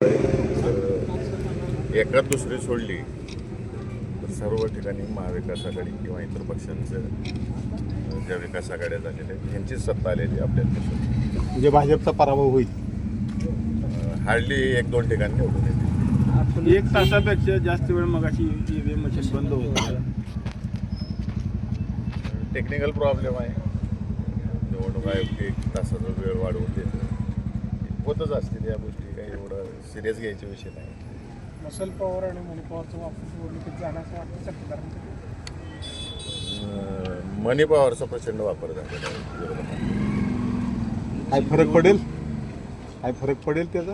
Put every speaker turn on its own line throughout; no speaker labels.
एकात दुसरी सोडली तर सर्व ठिकाणी महाविकास आघाडी किंवा इतर पक्षांचं ज्या विकास आघाड्या झालेल्या आहेत यांचीच सत्ता आलेली आपल्याला.
म्हणजे भाजपचा पराभव होईल.
हार्डली 1-2 ठिकाणी निवडून येते.
1 तासापेक्षा जास्त वेळ मगाशी ईव्हीएम मशीन बंद होतं.
टेक्निकल प्रॉब्लेम आहे. निवडणूक आयोग 1 तासाचा वेळ वाढवून देतो. होतच असतील या गोष्टी, काही एवढं सिरियस घ्यायचे विषय नाही.
मसल पॉवर आणि मनी पॉवरचा वापर निवडणुकीत झाला असं वाटतं सरकारनं.
मनी पॉवरचा प्रचंड वापर झालेला आहे विरोधात.
काय फरक पडेल? काय फरक पडेल त्याचा?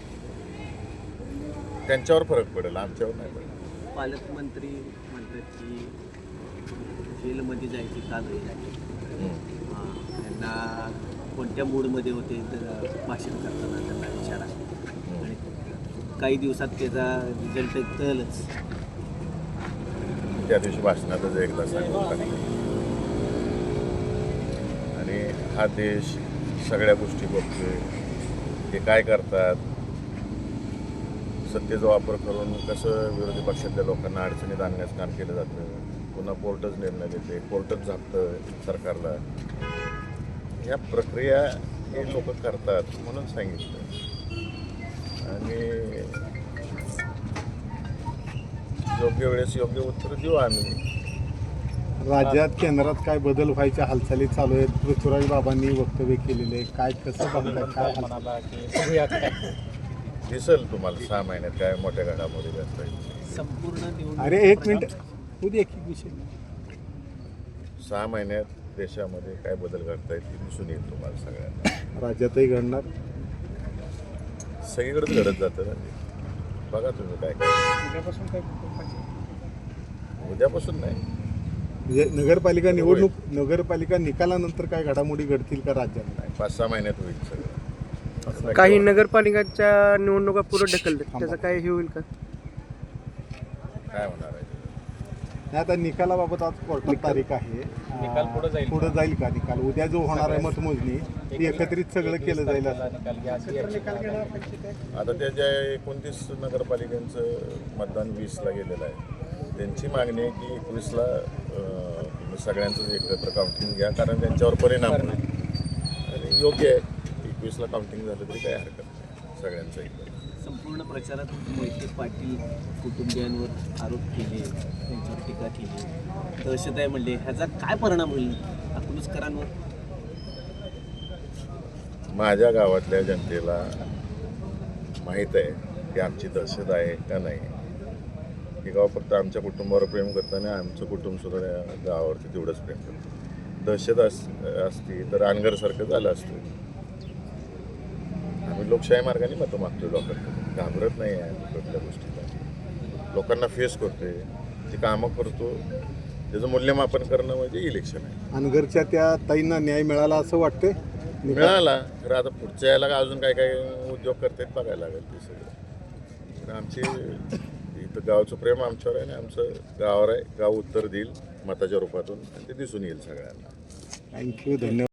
त्यांच्यावर फरक पडेल, आमच्यावर नाही पडेल.
पालकमंत्री म्हणतात की जेलमध्ये जायची का नाही जायची, त्यांना कोणत्या मूडमध्ये होते तर भाषण करताना त्यांना विचारा आणि काही दिवसात त्याचा रिझल्ट कळलंच.
त्या दिवशी भाषणातच एकदा सांगितलं आणि हा देश सगळ्या गोष्टी बघतोय. ते काय करतात, सत्तेचा वापर करून कसं विरोधी पक्षातल्या लोकांना अडचणीत आणण्याचं काम केलं जातं. पुन्हा कोर्टच निर्णय देते, कोर्टच झापतं सरकारला. ह्या प्रक्रिया हे लोक करतात म्हणून सांगितलं. आणि योग्य वेळेस योग्य उत्तर देऊ आम्ही.
राज्यात केंद्रात काय बदल व्हायच्या हालचाली चालू आहेत. पृथ्वीराज बाबांनी वक्तव्य केलेले आहे. काय कसं बघताय, काय
दिसेल तुम्हाला 6 महिन्यात काय मोठ्या घडामोडी असतात.
संपूर्ण
अरे 1 मिनिट उद्या एक विषय
6 महिन्यात देशामध्ये काय बदल घडता येईल दिसून येईल तुम्हाला सगळ्यांना.
राज्यातही घडणार,
सगळीकडेच घडत जातं ना ते. बघा तुम्ही काय काय.
उद्यापासून काय
उद्यापासून नाही,
म्हणजे नगरपालिका निवडणूक, नगरपालिका निकालानंतर काय घडामोडी घडतील का राज्यात?
नाही 5-6 महिन्यात होईल सगळं.
काही नगरपालिकांच्या निवडणुका पुढे ढकलतात, त्याचं काय हे होईल का?
काय होणार आहे?
नाही, आता निकालाबाबत आज कोर्टात तारीख आहे.
निकाल
पुढे जाईल का निकाल? उद्या जो होणार आहे मतमोजणी ती एकत्रित सगळं केलं जाईल असं.
आता त्या ज्या 29 नगरपालिकांचं मतदान 20ला गेलेलं आहे, त्यांची मागणी आहे की 21ला सगळ्यांचं एकत्र काउंटिंग घ्या, कारण त्यांच्यावर परिणाम होईल. आणि योग्य आहे, 21ला काउंटिंग झालं तरी काही हरकत नाही सगळ्यांचं एकत्र.
संपूर्ण प्रचारात मोहिते पाटील कुटुंबियांवर आरोप केले, त्यांच्यावर टीका केली, दहशत आहे म्हणले. ह्याचा काय परिणाम होईल अकलूजकरांवर?
माझ्या गावातल्या जनतेला माहीत आहे की आमची दहशत आहे का नाही. हे गाव फक्त आमच्या कुटुंबावर प्रेम करतं आणि आमचं कुटुंबसुद्धा या गावावरती तेवढंच प्रेम करतं. दहशत असती तर अनगरसारखं झालं असतं. आम्ही लोकशाही मार्गाने मतं मागतोय लोकांकडे, घाबरत नाही आहे कुठल्या गोष्टीला. लोकांना फेस करतोय, ती कामं करतो, त्याचं मूल्यमापन करणं म्हणजे इलेक्शन आहे.
अनगरच्या त्या ताईंना न्याय मिळाला असं वाटतंय?
मिळाला तर आता पुढच्या याला अजून काय काय उद्योग करतायत बघायला लागेल ते सगळं. तर आमचे इथं गावचं प्रेम आमच्यावर आहे आणि आमचं गावावर आहे. गाव उत्तर देईल मताच्या रूपातून आणि ते दिसून येईल सगळ्यांना.
थँक्यू, धन्यवाद.